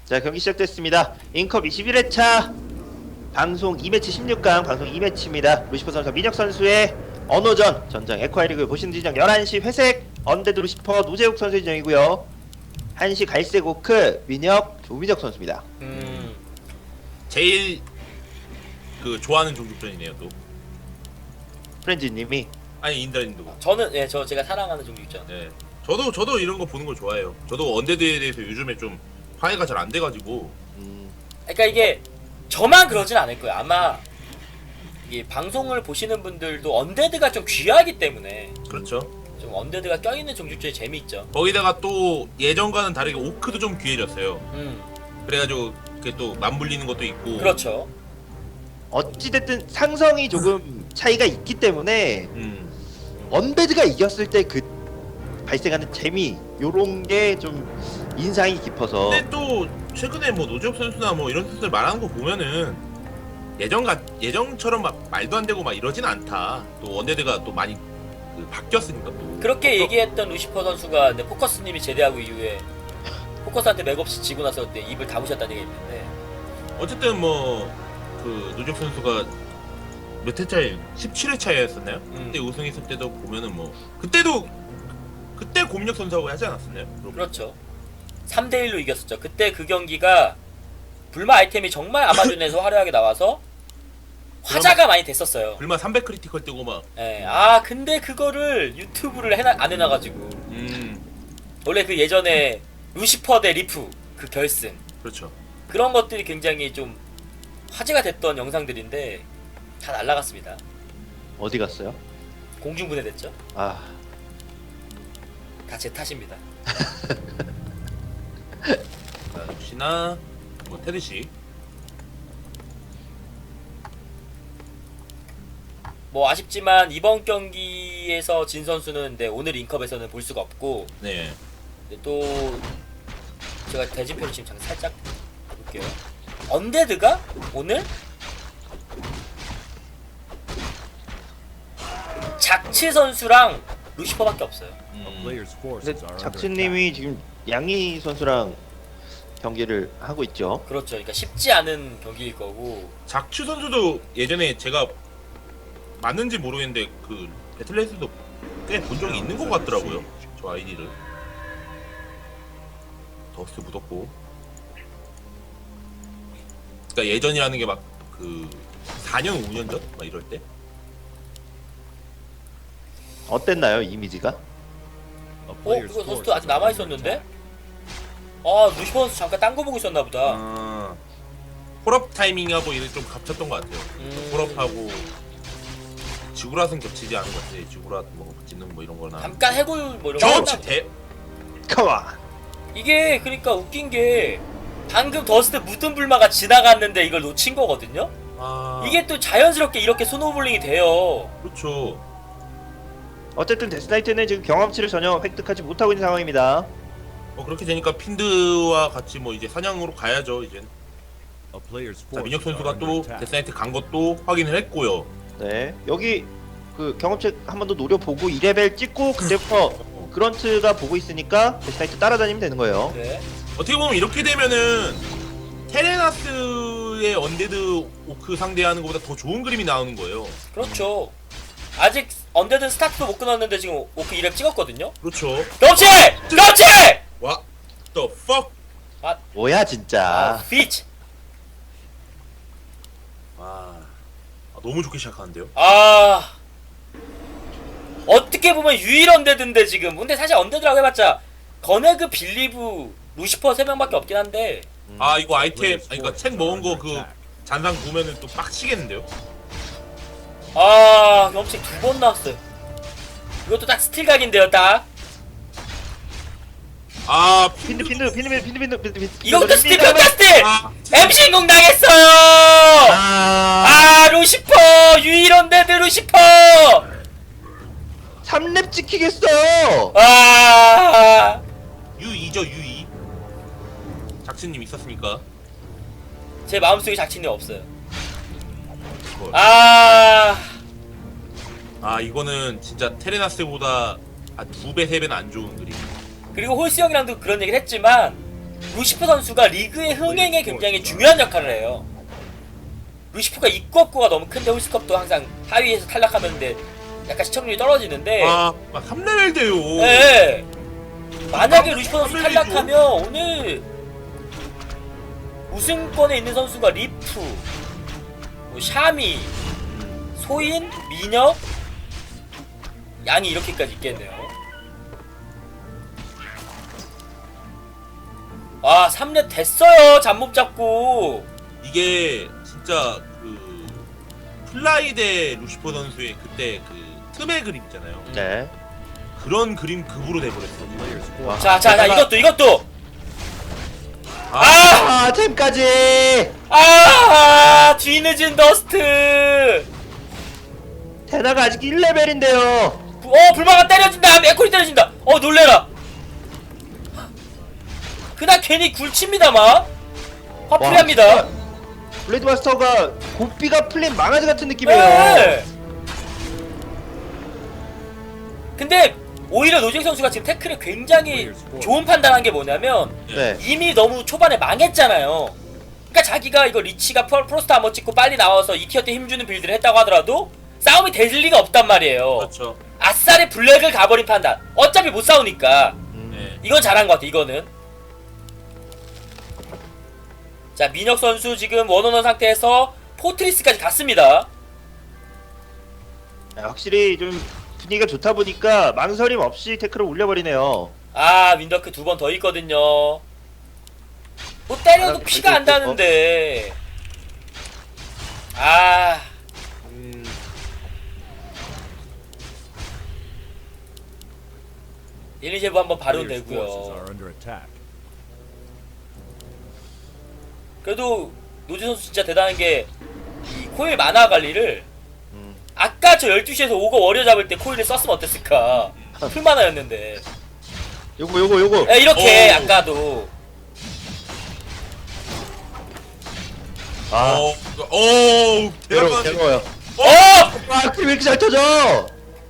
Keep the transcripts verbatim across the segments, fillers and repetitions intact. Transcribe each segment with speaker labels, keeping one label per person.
Speaker 1: 자, 경기 시작됐습니다. 인컵 이십일 회차 방송 이 매치 십육 강 방송 이 매치입니다. 루시퍼 선수와 민혁 선수의 언어전 전장 에콰이리그 보시는 지정 열한 시 회색 언데드 루시퍼 노재욱 선수의 지정이고요. 한 시 갈색 오크 민혁 조민혁 선수입니다.
Speaker 2: 음,
Speaker 3: 제일 그 좋아하는 종족전이네요 또.
Speaker 1: 프렌즈님이
Speaker 3: 아니 인다님도.
Speaker 2: 저는 예, 저 제가 사랑하는 종류 있죠.
Speaker 3: 네. 저도 저도 이런 거 보는 거 좋아해요. 저도 언데드에 대해서 요즘에 좀 화해가 잘 안 돼가지고.
Speaker 1: 음,
Speaker 2: 그러니까 이게 저만 그러진 않을 거예요. 아마 이 방송을 보시는 분들도 언데드가 좀 귀하기 때문에
Speaker 3: 그렇죠.
Speaker 2: 좀 언데드가 껴있는 종족전이 재미있죠.
Speaker 3: 거기다가 또 예전과는 다르게 오크도 좀 귀해졌어요.
Speaker 2: 음,
Speaker 3: 그래가지고 그게 또 맞물리는 것도 있고.
Speaker 2: 그렇죠.
Speaker 1: 어찌됐든 상성이 조금 차이가 있기 때문에
Speaker 3: 음.
Speaker 1: 언데드가 이겼을 때 그 발생하는 재미 요런 게 좀 인상이 깊어서.
Speaker 3: 근데 또 최근에 뭐 노재욱 선수나 뭐 이런 선수들 말하는 거 보면은 예전가 예전처럼 막 말도 안 되고 막 이러진 않다. 또 언데드가 또 많이 그 바뀌었으니까 또.
Speaker 2: 그렇게
Speaker 3: 또-
Speaker 2: 얘기했던 루시퍼 선수가 근데 포커스님이 제대하고 이후에 포커스한테 맥없이 지고 나서 그때 입을 다무셨다는 얘기가 있는데
Speaker 3: 어쨌든 뭐 그 노재욱 선수가 몇 회차에 십칠 회차였었나요?
Speaker 2: 음.
Speaker 3: 그때 우승했을 때도 보면은 뭐 그때도 그때 곰력 선수하고 하지 않았었나요?
Speaker 2: 그렇죠. 삼 대 일로 이겼었죠. 그때 그 경기가 불마 아이템이 정말 아마존에서 화려하게 나와서 화제가 많이 됐었어요.
Speaker 3: 불마 삼백 크리티컬 뜨고 막.
Speaker 2: 예. 아 근데 그거를 유튜브를 해놔, 안 해놔가지고
Speaker 3: 음.
Speaker 2: 원래 그 예전에 루시퍼 대 리프 그 결승
Speaker 3: 그렇죠.
Speaker 2: 그런 것들이 굉장히 좀 화제가 됐던 영상들인데 다 날라갔습니다.
Speaker 1: 어디 갔어요?
Speaker 2: 공중분해됐죠.
Speaker 1: 아,
Speaker 2: 다 제 탓입니다.
Speaker 3: 자, 역시나 뭐 테드 씨.
Speaker 2: 뭐 아쉽지만 이번 경기에서 진 선수는 네, 오늘 인컵에서는 볼 수가 없고
Speaker 3: 네.
Speaker 2: 근데 또 제가 대진표를 지금 잠깐 살짝 볼게요. 언데드가 오늘 작치 선수랑 루시퍼밖에 없어요.
Speaker 3: 음.
Speaker 1: 근데 작츠님이 지금 양희 선수랑 경기를 하고 있죠.
Speaker 2: 그렇죠. 그러니까 쉽지 않은 경기일 거고
Speaker 3: 작추 선수도 예전에 제가 맞는지 모르겠는데 그 배틀넷에도 꽤 본 적이 있는 것 같더라고요. 저 아이디를. 더스트 묻었고. 그러니까 예전이라는 게 막 그 사 년 오 년 전? 막 이럴 때?
Speaker 1: 어땠나요, 이미지가?
Speaker 2: 어? 그거 선수도 아직 남아있었는데? 아 루시퍼 선수 잠깐 딴 거 보고 있었나 보다.
Speaker 3: 아, 홀업 타이밍하고 이게 좀 겹쳤던 것 같아요.
Speaker 2: 음.
Speaker 3: 홀업하고 지구라는 겹치지 않은 것 같아요. 지구라 뭐 짓는 뭐 이런 거나.
Speaker 2: 잠깐 해골 뭐 이런 거
Speaker 3: 경험치
Speaker 2: 했나
Speaker 3: 대.
Speaker 1: 컴온!
Speaker 2: 이게 그러니까 웃긴 게 방금 더스트 묻은 불마가 지나갔는데 이걸 놓친 거거든요?
Speaker 3: 아,
Speaker 2: 이게 또 자연스럽게 이렇게 스노우볼링이 돼요.
Speaker 3: 그렇죠.
Speaker 1: 어쨌든 데스나이트는 지금 경험치를 전혀 획득하지 못하고 있는 상황입니다.
Speaker 3: 뭐 그렇게 되니까 핀드와 같이 뭐 이제 사냥으로 가야죠 이제. 자, 민혁 선수가 또 데스나이트 간 것도 확인을 했고요.
Speaker 1: 네, 여기 그 경험치 한 번 더 노려보고 이 레벨 찍고 그때부터 그런트가 보고 있으니까 데스나이트 따라다니면 되는 거예요.
Speaker 2: 네.
Speaker 3: 어떻게 보면 이렇게 되면은 테레나스의 언데드 오크 상대하는 것보다 더 좋은 그림이 나오는 거예요.
Speaker 2: 그렇죠. 아직 언데드 스타트도 못 끊었는데 지금 오크 이 렙 찍었거든요?
Speaker 3: 그렇죠.
Speaker 2: 그렇지! 그렇지!
Speaker 3: 와, the fuck.
Speaker 1: 뭐야
Speaker 2: 아,
Speaker 1: 진짜.
Speaker 2: 피치!
Speaker 3: 아, 아, 너무 좋게 시작하는데요.
Speaker 2: 아... 어떻게 보면 유일 언데드인데 지금 근데 사실 언데드라고 해봤자 거네그, 빌리브, 루시퍼 세 명밖에 없긴 한데
Speaker 3: 아, 이거 아이템, 아니, 그러니까 책 먹은 거 그 잔상 보면은 또 빡치겠는데요.
Speaker 2: 아... 경험치 두 번 나왔어요. 이것도 딱 스틸각인데요 딱.
Speaker 3: 아,
Speaker 1: 핀드 핀드 핀드 핀드 핀드 핀드 핀드 핀드.
Speaker 2: 이것도 스틸 각 스틸!
Speaker 3: 아,
Speaker 2: 엠씨 인공 당했어요!
Speaker 1: 아,
Speaker 2: 아 루시퍼! 유일 언데드 루시퍼!
Speaker 1: 삼 렙 찍히겠어.
Speaker 2: 아...
Speaker 3: 유이죠 유이. 작신님 있었으니까.
Speaker 2: 제 마음속에 작친이 없어요.
Speaker 3: 그걸.
Speaker 2: 아...
Speaker 3: 아, 이거는 진짜 테레나스보다 한 두 배, 세 배는 안 좋은 그림.
Speaker 2: 그리고 홀스 형이랑도 그런 얘기를 했지만 루시프 선수가 리그의 흥행에 굉장히 중요한 역할을 해요. 루시프가 입구업구가 너무 큰데 홀스컵도 항상 하위에서 탈락하는데 약간 시청률이 떨어지는데
Speaker 3: 아, 막 삼 레벨 돼요.
Speaker 2: 네. 만약에 루시프 선수
Speaker 3: 삼 레벨이죠.
Speaker 2: 탈락하면 오늘 우승권에 있는 선수가 리프, 뭐 샤미, 소인, 민혁, 양이 이렇게까지 있겠네요. 아 삼 렙 됐어요. 잡몹 잡고.
Speaker 3: 이게 진짜 그 플라이 대 루시퍼 선수의 그때 그 틈의 그림 있잖아요.
Speaker 1: 네.
Speaker 3: 그런 그림 급으로 돼버렸어요.
Speaker 1: 와.
Speaker 2: 자, 자, 자,
Speaker 1: 게다가-
Speaker 2: 이것도, 이것도.
Speaker 3: 아,
Speaker 2: 아,
Speaker 1: 아, 템까지.
Speaker 2: 아, 뒤늦은 더스트.
Speaker 1: 테나가 아직 일 레벨인데요.
Speaker 2: 어, 불마가 때려진다. 맥콜이 때려진다. 어, 놀래라. 그날 괜히 굴칩니다만. 화풀이합니다.
Speaker 1: 블레이드 마스터가 고삐가 풀린 망아지 같은 느낌이에요.
Speaker 2: 네. 근데 오히려 노잭 선수가 지금 태클을 굉장히 좋은 판단한 게 뭐냐면
Speaker 1: 네.
Speaker 2: 이미 너무 초반에 망했잖아요. 그러니까 자기가 이거 리치가 프로- 프로스트 아머 찍고 빨리 나와서 이 티어 때 힘주는 빌드를 했다고 하더라도 싸움이 될 리가 없단 말이에요.
Speaker 3: 그렇죠.
Speaker 2: 아싸리 블랙을 가버린 판단. 어차피 못 싸우니까.
Speaker 1: 음.
Speaker 3: 네.
Speaker 2: 이건 잘한 것 같아. 이거는. 자, 민혁 선수 지금 원원원 상태에서 포트리스까지 갔습니다.
Speaker 1: 아, 확실히 좀 분위기가 좋다 보니까 망설임 없이 태클을 올려버리네요.
Speaker 2: 아, 윈더크 두 번 더 있거든요. 뭐 때려도
Speaker 1: 아,
Speaker 2: 피가 안
Speaker 1: 그래도
Speaker 2: 나는데. 아,
Speaker 3: 음,
Speaker 2: 일리제브 한번 바로
Speaker 4: Players' forces
Speaker 2: 되고요.
Speaker 4: are under attack.
Speaker 2: 그래도 노지 선수 진짜 대단한 게 이 코일 만화 관리를
Speaker 1: 음.
Speaker 2: 아까 저 열두 시에서 오거 워리어 잡을 때 코일을 썼으면 어땠을까. 풀만화였는데.
Speaker 1: 요거 요거 요거.
Speaker 2: 야, 이렇게
Speaker 3: 오.
Speaker 2: 아까도.
Speaker 1: 아,
Speaker 3: 어, 어,
Speaker 1: 괴로워,
Speaker 3: 대단하네.
Speaker 1: 괴로워요.
Speaker 2: 어!
Speaker 1: 아, 왜 이렇게 잘 터져?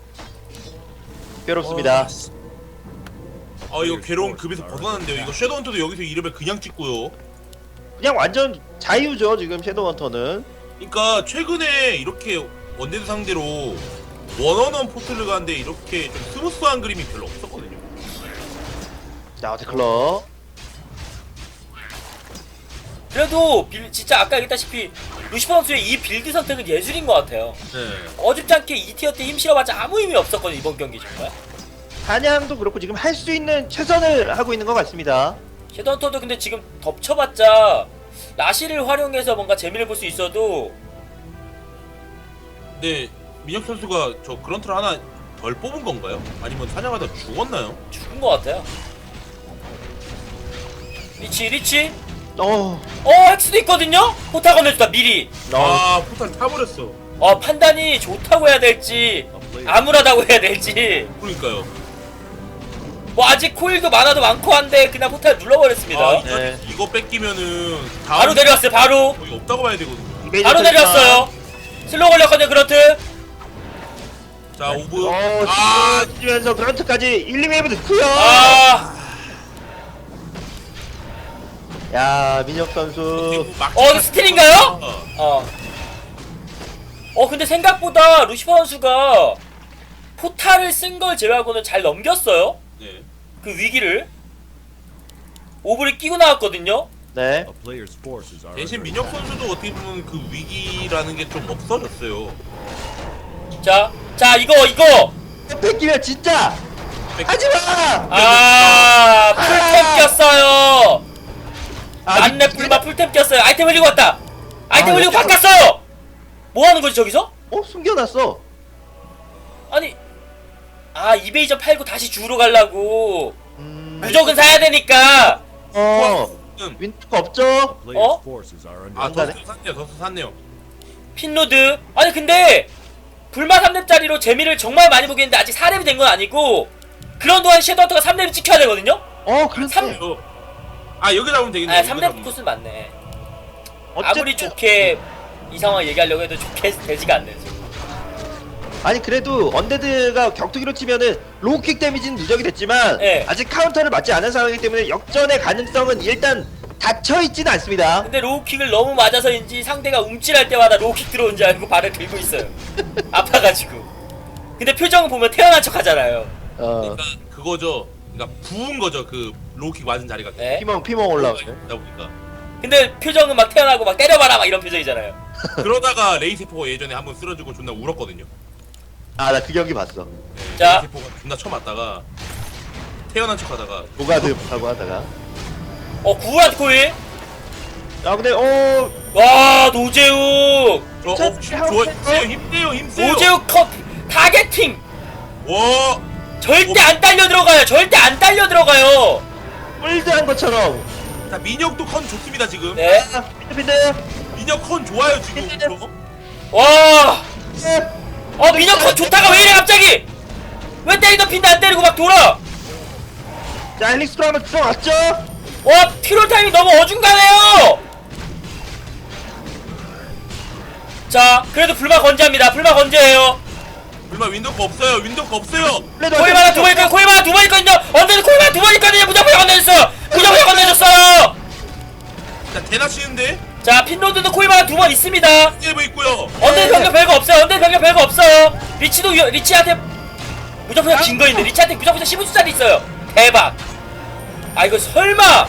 Speaker 1: 괴롭습니다.
Speaker 3: 아, 이거 괴로운 급에서 벗어났는데요. 이거 섀도우헌터도 여기서 이 레벨 그냥 찍고요.
Speaker 1: 그냥 완전 자유죠 지금 섀도우헌터는.
Speaker 3: 그러니까 최근에 이렇게 원데드 상대로 원원원 포트를 가는데 이렇게 좀 스무스한 그림이 별로 없었거든요.
Speaker 1: 자, 어테클러.
Speaker 2: 그래도 빌, 진짜 아까 얘기했다시피 루시퍼 선수의 이 빌드 선택은 예술인 것 같아요.
Speaker 3: 네.
Speaker 2: 어줍지 않게 이 티어 때 힘 실어봤자 아무 의미 없었거든요. 이번 경기 정말.
Speaker 1: 사냥도 그렇고 지금 할 수 있는 최선을 하고 있는 것 같습니다.
Speaker 2: 섀도우헌터도 근데 지금 덮쳐봤자 라시를 활용해서 뭔가 재미를 볼 수 있어도
Speaker 3: 근데 민혁 선수가 저 그런트를 하나 덜 뽑은 건가요? 아니면 사냥하다 죽었나요?
Speaker 2: 죽은 것 같아요. 리치 리치
Speaker 1: 어,
Speaker 2: 어 헥스도 있거든요? 포타 건네주다 미리.
Speaker 1: 어,
Speaker 3: 아, 포탈 타버렸어.
Speaker 2: 어 판단이 좋다고 해야 될지 암울하다고 해야 될지
Speaker 3: 그러니까요.
Speaker 2: 뭐 아직 코일도 많아도 많고 한데 그냥 포탈 눌러버렸습니다.
Speaker 3: 아, 이
Speaker 1: 네.
Speaker 3: 이거 뺏기면은 다음
Speaker 2: 바로 내려왔어요. 바로
Speaker 3: 거의 없다고 봐야 되거든요.
Speaker 1: 이메이저
Speaker 2: 바로
Speaker 1: 터지나.
Speaker 2: 내려왔어요. 슬로우 걸렸거든요. 그렇트.
Speaker 3: 자, 오브.
Speaker 1: 어,
Speaker 3: 아,
Speaker 1: 치면서 그런트까지 일, 이 웨이브 넣고요.
Speaker 2: 아,
Speaker 1: 야, 민혁 선수.
Speaker 3: 막지
Speaker 2: 어, 이거 스틸인가요?
Speaker 3: 어.
Speaker 2: 어. 어 근데 생각보다 루시퍼 선수가 포탈을 쓴 걸 제외하고는 잘 넘겼어요.
Speaker 3: 네.
Speaker 2: 그 위기를. 오브를 끼고 나왔거든요.
Speaker 1: 네.
Speaker 4: A player's forces are
Speaker 3: 대신
Speaker 4: under
Speaker 3: 민혁
Speaker 4: attack.
Speaker 3: 선수도 어떻게 보면 그 위기라는 게 좀 없어졌어요.
Speaker 2: 자, 자 이거 이거.
Speaker 1: 뺏기면 진짜 하지 마.
Speaker 2: 아, 풀템 꼈어요.
Speaker 1: 아,
Speaker 2: 만렙
Speaker 1: 미-
Speaker 2: 불마 풀템 꼈어요. 아이템 흘리고 왔다. 아이템
Speaker 1: 아,
Speaker 2: 흘리고
Speaker 1: 역시-
Speaker 2: 바꿨어요. 뭐 하는 거지 저기서?
Speaker 1: 어, 숨겨놨어.
Speaker 2: 아니, 아 이베이저 팔고 다시 주로 가려고.
Speaker 1: 음,
Speaker 2: 무적은 사야 되니까.
Speaker 1: 어,
Speaker 3: 음.
Speaker 1: 윈터가 없죠.
Speaker 4: A player's
Speaker 2: 어?
Speaker 4: forces are under
Speaker 3: 아,
Speaker 1: 안
Speaker 4: attack.
Speaker 1: 가네.
Speaker 3: 더스 샀네요. 더스 샀네요.
Speaker 2: 핀로드. 아니 근데 불마 삼 렙짜리로 재미를 정말 많이 보겠는데 아직 사 렙이 된 건 아니고 그런 동안 섀도우헌터가 삼 렙을 찍혀야 되거든요?
Speaker 1: 어, 그렇지.
Speaker 2: 삼-
Speaker 3: 어. 아, 여기 잡으면 되겠네요.
Speaker 2: 아
Speaker 3: 여기
Speaker 2: 삼 렙
Speaker 3: 잡으면.
Speaker 2: 코스는 맞네.
Speaker 1: 어쨌든
Speaker 2: 아무리 좋게 이 상황 얘기하려고 해도 좋게 되지가 않네 지금.
Speaker 1: 아니 그래도 언데드가 격투기로 치면은 로우킥 데미지는 누적이 됐지만
Speaker 2: 네.
Speaker 1: 아직 카운터를 맞지 않은 상황이기 때문에 역전의 가능성은 일단 닫혀있지는 않습니다.
Speaker 2: 근데 로우킥을 너무 맞아서인지 상대가 움찔할 때마다 로우킥 들어온 줄 알고 발을 들고 있어요. 아파가지고. 근데 표정을 보면 태어난 척 하잖아요.
Speaker 1: 어,
Speaker 3: 그러니까 그거죠. 그러니까 부은 거죠. 그 로우킥 맞은 자리가.
Speaker 2: 네.
Speaker 1: 피멍 피멍 올라오네.
Speaker 3: 그러다 보니까.
Speaker 2: 근데 표정은 막 태어나고 막 때려봐라 막 이런 표정이잖아요.
Speaker 3: 그러다가 레이세포가 예전에 한번 쓰러지고 존나 울었거든요.
Speaker 1: 아 나 그 경기 봤어.
Speaker 3: 네,
Speaker 2: 자.
Speaker 3: 레이세포가 존나 쳐맞다가 태어난 척하다가
Speaker 1: 노가드 하고 하다가.
Speaker 2: 어 구한 코일.
Speaker 1: 아 근데 어
Speaker 2: 와 노재욱.
Speaker 3: 저, 어,
Speaker 1: 자,
Speaker 3: 힘, 좋아, 힘세요, 힘세요, 힘세요.
Speaker 2: 노재욱 컵 타겟팅.
Speaker 3: 와,
Speaker 2: 절대 안 딸려 들어가요. 절대 안 딸려 들어가요.
Speaker 1: 뿔드한 것처럼.
Speaker 3: 자 민혁도 컨 좋습니다 지금.
Speaker 2: 네.
Speaker 1: 아, 핀드 핀드.
Speaker 3: 민혁 컨 좋아요 지금. 저.
Speaker 2: 와.
Speaker 1: 네.
Speaker 2: 어 민혁 컵 좋다가 왜 이래 갑자기? 왜 때리던 핀데 안 때리고 막 돌아?
Speaker 1: 자 헬릭스로 한번 들어갔죠.
Speaker 2: 와 피롤 타임이 너무 어중간해요. 자 그래도 불마 건재합니다. 불마 건재해요.
Speaker 3: 얼마 윈도우가 없어요. 윈도우가 없어요.
Speaker 2: 코이마나 두 번 있거든요. 코이마나 두 번 있거든요. 언제는 코이마나 두 번 있거든요. 무조건 건네줬어요. 무조건 건네줬어요.
Speaker 3: 자 대나 치는데
Speaker 2: 자 핀로드도 코이마나 두 번 있습니다.
Speaker 3: 일부 있고요.
Speaker 2: 언제 병력 별거 없어요. 언제 병력 별거 없어요. 리치도 위, 리치한테 무조건 진거 있는데 리치한테 무조건 십오 주짜리 있어요. 대박. 아 이거 설마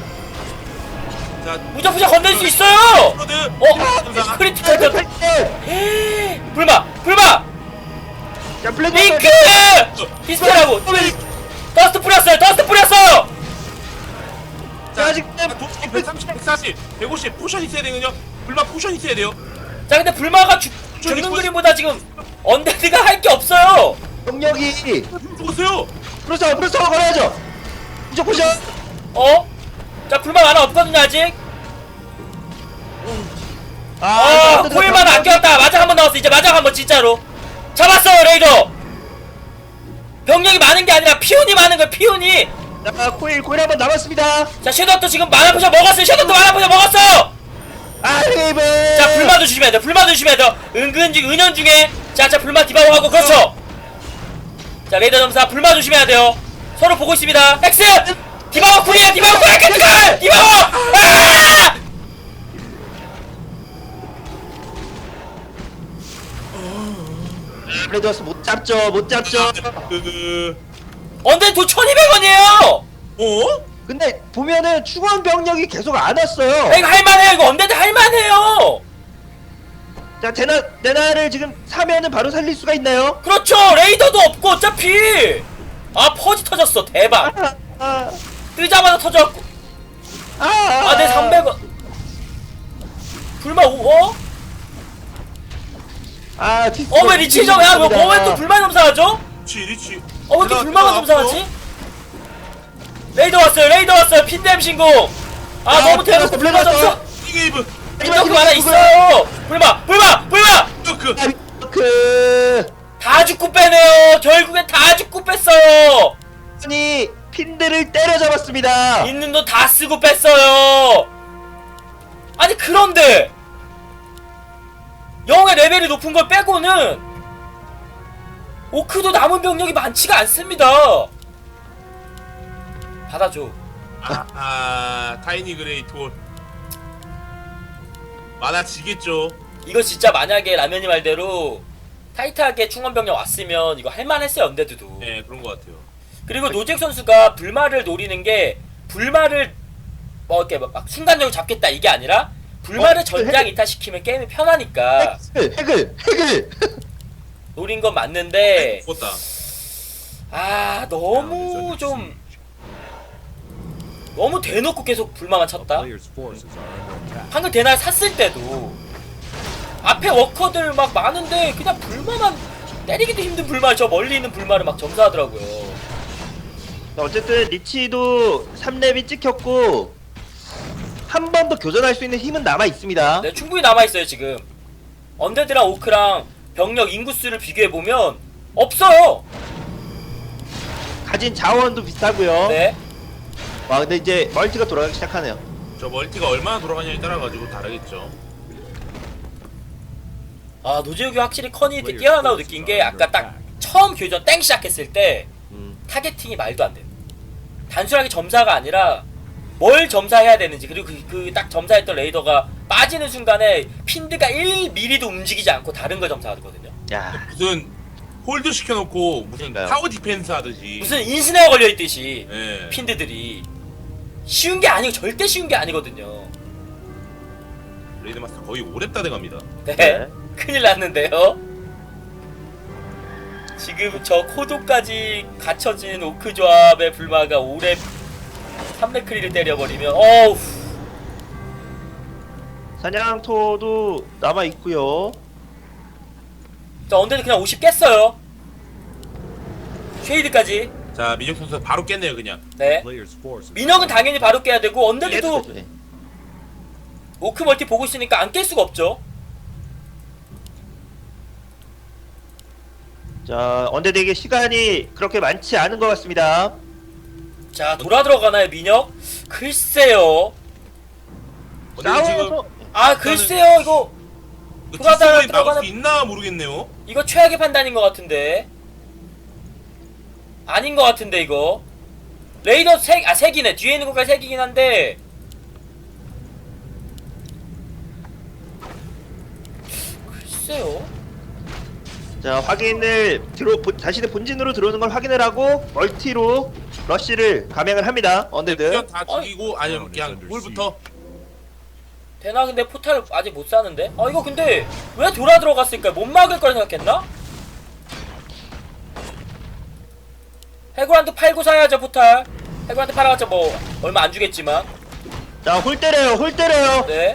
Speaker 3: 자
Speaker 2: 무조건 건넬 수 있어요.
Speaker 3: 프로드.
Speaker 2: 어 크리티컬 전 에이, 불마 불마
Speaker 1: 자 블랙
Speaker 2: 링크 디스펠하고 더스트 뿌렸어요. 더스트 뿌렸어요.
Speaker 3: 자
Speaker 1: 아직
Speaker 3: 도치 백삼십, 백사십, 백오십 포션 있어야 되거든요. 불마 포션 있어야 돼요.
Speaker 2: 자 근데 불마가 죽, 죽는 그림보다 지금 언데드가 할 게 없어요.
Speaker 1: 병력이
Speaker 3: 죽었어요.
Speaker 1: 프로스타워 프로스타워 걸어야죠. 무조건 포션.
Speaker 2: 어? 자 불마 하나 없거든요 아직.
Speaker 1: 아,
Speaker 2: 어 코일만 안 꼈다. 마작 한번 나왔어. 이제 마작 한번 진짜로 잡았어요 레이더. 병력이 많은 게 아니라 피온이 많은 거예요. 피온이.
Speaker 1: 자 코일 코일 한번 남았습니다.
Speaker 2: 자 섀도우도 지금 마나 포션 먹었어요. 섀도우도 마나 포션 먹었어요.
Speaker 1: 아 레이븐.
Speaker 2: 자 불마도 조심해야 돼. 불마도 조심해야 돼. 은근 지금 은연 중에 자자 불마 디바고 하고 그렇죠. 자 레이더 점사 불마 조심해야 돼요. 서로 보고 있습니다. 엑스 디바고 쿨이야. 디바고 쿨 캐트칼 디바고. 아!
Speaker 1: 레드워스 못 잡죠 못 잡죠.
Speaker 3: 그
Speaker 2: 언제 도 천이백 원이에요.
Speaker 3: 어?
Speaker 1: 근데 보면은 충원 병력이 계속 안 왔어요.
Speaker 2: 이거 할만해요. 이거 언제든 할만해요.
Speaker 1: 자 데나 데나를 지금 사면은 바로 살릴 수가 있나요?
Speaker 2: 그렇죠. 레이더도 없고 어차피. 아 퍼지 터졌어. 대박.
Speaker 1: 아, 아,
Speaker 2: 뜨자마자 터져갖고.
Speaker 1: 아, 아,
Speaker 2: 아내 삼백 원. 불마 오 어?
Speaker 1: 아, 디스.
Speaker 2: 어 왜 리치 점? 야 뭐 왜 또 불만 점사하죠?
Speaker 3: 리치 리치.
Speaker 2: 어 왜 이렇게
Speaker 3: 대나,
Speaker 2: 불만만
Speaker 3: 대나
Speaker 2: 점사하지? 레이더 왔어요. 레이더 왔어요. 핀댐 신공. 아,
Speaker 1: 아,
Speaker 2: 너무 대놓고
Speaker 1: 불만
Speaker 2: 불만 점사.
Speaker 1: 왔어요.
Speaker 3: 이게이브.
Speaker 2: 인덕도 하나 있어요. 불마 불마 불마.
Speaker 3: 그
Speaker 1: 그
Speaker 2: 다 죽고 빼네요. 결국엔 다 죽고 뺐어요.
Speaker 1: 아니 핀들을 때려잡았습니다.
Speaker 2: 있는 돈 다 쓰고 뺐어요. 아니 그런데 영의 레벨이 높은 걸 빼고는 오크도 남은 병력이 많지가 않습니다. 받아줘.
Speaker 3: 아, 아 타이니 그레이 톨. 많아지겠죠.
Speaker 2: 이거 진짜 만약에 라면이 말대로 타이트하게 충원병력 왔으면 이거 할만했어요. 언데드도.
Speaker 3: 네 그런 것 같아요.
Speaker 2: 그리고 노잭 선수가 불마를 노리는 게 불마를 뭐 이렇게 막 순간적으로 잡겠다 이게 아니라 불마를
Speaker 1: 어,
Speaker 2: 전장 이탈시키면 게임이 편하니까
Speaker 1: 핵을 핵을 핵을.
Speaker 2: 노린 건 맞는데
Speaker 3: 죽었다.
Speaker 2: 아 너무 좀 너무 대놓고 계속 불마만 쳤다. 방금 대날 샀을 때도 앞에 워커들 막 많은데 그냥 불마만 때리기도 힘든 불마 저 멀리 있는 불마를 막 점사하더라고요.
Speaker 1: 어쨌든 리치도 삼 렙이 찍혔고 한 번 더 교전할 수 있는 힘은 남아 있습니다.
Speaker 2: 네, 충분히 남아있어요 지금. 언데드랑 오크랑 병력 인구수를 비교해보면 없어요.
Speaker 1: 가진 자원도 비슷하고요.
Speaker 2: 네.
Speaker 1: 와 근데 이제 멀티가 돌아가기 시작하네요.
Speaker 3: 저 멀티가 얼마나 돌아가냐에 따라 가지고 다르겠죠.
Speaker 2: 아 노재욱이 확실히 커니 뛰어나다고 느낀 게 아까 딱 처음 교전 땡 시작했을 때
Speaker 1: 음.
Speaker 2: 타겟팅이 말도 안 돼요. 단순하게 점사가 아니라 뭘 점사해야 되는지 그리고 그 딱 점사했던 레이더가 빠지는 순간에 핀드가 일 밀리미터도 움직이지 않고 다른 걸 점사하거든요.
Speaker 1: 야,
Speaker 3: 무슨 홀드 시켜놓고 무슨
Speaker 1: 그러니까요.
Speaker 3: 타워 디펜스 하듯이.
Speaker 2: 무슨 인스네어 걸려있듯이
Speaker 3: 예.
Speaker 2: 핀드들이 쉬운 게 아니고 절대 쉬운 게 아니거든요.
Speaker 3: 레이드 마스터 거의 오랩다 돼갑니다.
Speaker 2: 네.
Speaker 1: 네.
Speaker 2: 큰일 났는데요. 지금 저 코도까지 갖춰진 오크 조합의 불마가 오랩 삼레크리를 때려버리면 어우
Speaker 1: 사냥토도 남아 있고요.
Speaker 2: 자 언데드 그냥 오십 깼어요. 쉐이드까지.
Speaker 3: 자 민혁 선수 바로 깼네요 그냥.
Speaker 2: 네. 민혁은 당연히 바로 깨야 되고 언데드도
Speaker 1: 네.
Speaker 2: 오크 멀티 보고 있으니까 안 깰 수가 없죠.
Speaker 1: 자, 언데드에게 시간이 그렇게 많지 않은 것 같습니다.
Speaker 2: 자 돌아 들어가나요 민혁? 글쎄요.
Speaker 3: 근데 지금
Speaker 1: 싸워서
Speaker 2: 아 글쎄요 이거 돌아다가
Speaker 3: 뒷선이 막을
Speaker 2: 들어가는-
Speaker 3: 수 있나 모르겠네요.
Speaker 2: 이거 최악의 판단인 것 같은데 아닌 것 같은데 이거 레이더 색, 아 색이네 뒤에 있는 것까지 색이긴 한데 글쎄요.
Speaker 1: 자, 확인을 들어 본- 자신의 본진으로 들어오는 걸 확인을 하고 멀티로 러쉬를 감행을 합니다. 언데드.
Speaker 3: 그냥 다 죽이고 아니면 그냥 홀부터.
Speaker 2: 되나 근데 포탈 아직 못 사는데? 아 이거 근데 왜 돌아 들어갔을까? 못 막을 걸 생각했나? 해골한테 팔고 사야죠 포탈. 해골한테 팔아봤자 뭐 얼마 안 주겠지만.
Speaker 1: 자, 홀 때려요. 홀 때려요.
Speaker 2: 네.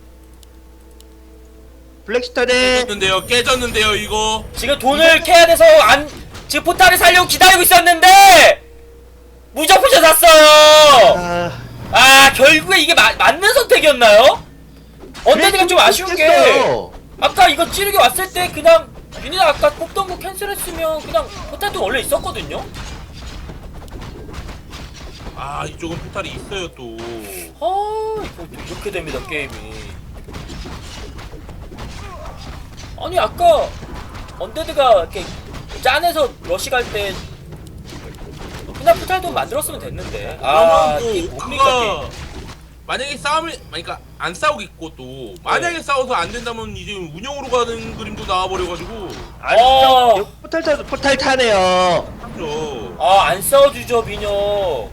Speaker 1: 블랙스타 대
Speaker 3: 깨졌는데요. 깨졌는데요 이거.
Speaker 2: 지금 돈을 캐야 돼서 안 지금 포탈을 살려고 기다리고 있었는데 무적포션 샀어요.
Speaker 1: 아,
Speaker 2: 아 결국에 이게 마, 맞는 선택이었나요? 언데드가 좀 아쉬운 게
Speaker 1: 깼어요.
Speaker 2: 아까 이거 찌르게 왔을 때 그냥 윤희가 아까 뽑던 거 캔슬했으면 그냥 포탈도 원래 있었거든요?
Speaker 3: 아 이쪽은 포탈이 있어요 또.
Speaker 2: 아 이거 이렇게 됩니다 게임이. 아니 아까 언데드가 이렇게 짠해서 러시 갈 때 그냥 포탈도 만들었으면 됐는데 아
Speaker 3: 그러면
Speaker 2: 이게
Speaker 3: 또
Speaker 2: 뭡니까
Speaker 3: 오크가
Speaker 2: 게임.
Speaker 3: 만약에 싸움을 그러니까 안 싸우겠고 또 만약에 싸워서 안 된다면 이제 운영으로 가는 그림도 나와버려가지고
Speaker 1: 아,
Speaker 2: 어.
Speaker 1: 진짜 포탈 타 포탈 타네요.
Speaker 3: 참죠.
Speaker 2: 아 안 싸워주죠 민혁.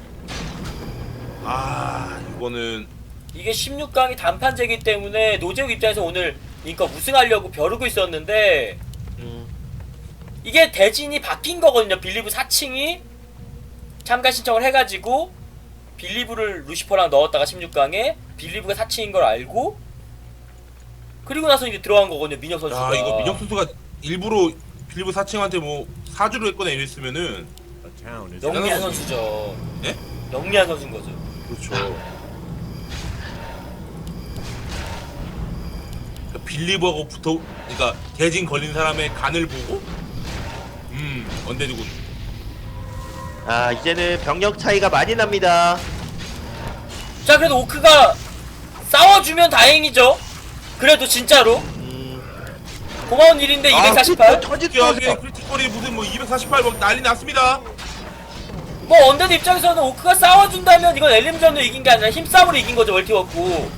Speaker 3: 아 이거는
Speaker 2: 이게 십육 강이 단판제기 때문에 노재욱 입장에서 오늘 그러니까 우승하려고 벼르고 있었는데
Speaker 1: 음.
Speaker 2: 이게 대진이 바뀐 거거든요. 빌리브 사 층이 참가 신청을 해가지고 빌리브를 루시퍼랑 넣었다가 십육 강에 빌리브가 사 층인 걸 알고 그리고 나서 이제 들어간 거거든요. 민혁 선수가.
Speaker 3: 야 이거 민혁 선수가 일부러 빌리브 사칭한테 뭐 사주를 했거나 이랬으면은
Speaker 2: 영리한 선수죠.
Speaker 3: 예?
Speaker 2: 영리한 선수인 거죠.
Speaker 3: 그렇죠. 그러니까 빌리버하고 붙어 그러니까 대진 걸린 사람의 간을 보고 음 언데드군.
Speaker 1: 아, 이제는 병력 차이가 많이 납니다.
Speaker 2: 자 그래도 오크가 싸워주면 다행이죠. 그래도 진짜로
Speaker 1: 음.
Speaker 2: 고마운 일인데 이백사십팔.
Speaker 1: 아, 터지
Speaker 3: 뛰어하게
Speaker 1: 터져.
Speaker 3: 크리티컬이 무슨 뭐 이백사십팔 막 난리 났습니다.
Speaker 2: 뭐 언데드 입장에서는 오크가 싸워준다면 이건 엘림전으로 이긴 게 아니라 힘싸움으로 이긴 거죠. 멀티워크.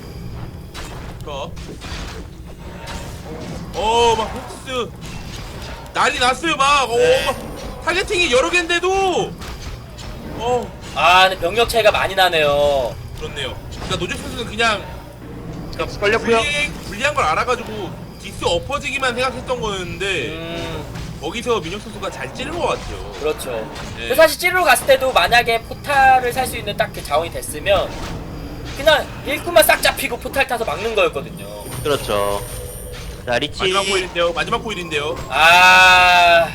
Speaker 3: 어막 폭스 난리 났어요 막.
Speaker 1: 네.
Speaker 3: 어, 막 타겟팅이 여러 개인데도 어
Speaker 2: 아 근데 병력 차이가 많이 나네요.
Speaker 3: 그렇네요. 그러니까 노조 선수는 그냥
Speaker 1: 격수 걸렸고요.
Speaker 3: 불리, 불리한 걸 알아가지고 디스 엎어지기만 생각했던 거였는데
Speaker 2: 음
Speaker 3: 거기서 민혁 선수가 잘 찌른 것 같아요.
Speaker 2: 그렇죠.
Speaker 3: 네.
Speaker 2: 근데 사실 찌르러 갔을 때도 만약에 포탈을 살 수 있는 딱 그 자원이 됐으면 그냥 일꾼만 싹 잡히고 포탈 타서 막는 거였거든요.
Speaker 1: 그렇죠. 자, 리치.
Speaker 3: 마지막 코일인데요. 마지막 코일인데요.
Speaker 2: 아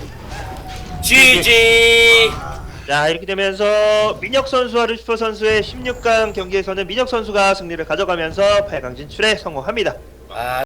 Speaker 2: 지지.
Speaker 1: 자, 이렇게 되면서 민혁 선수와 루시퍼 선수의 십육 강 경기에서는 민혁 선수가 승리를 가져가면서 팔 강 진출에 성공합니다.
Speaker 2: 아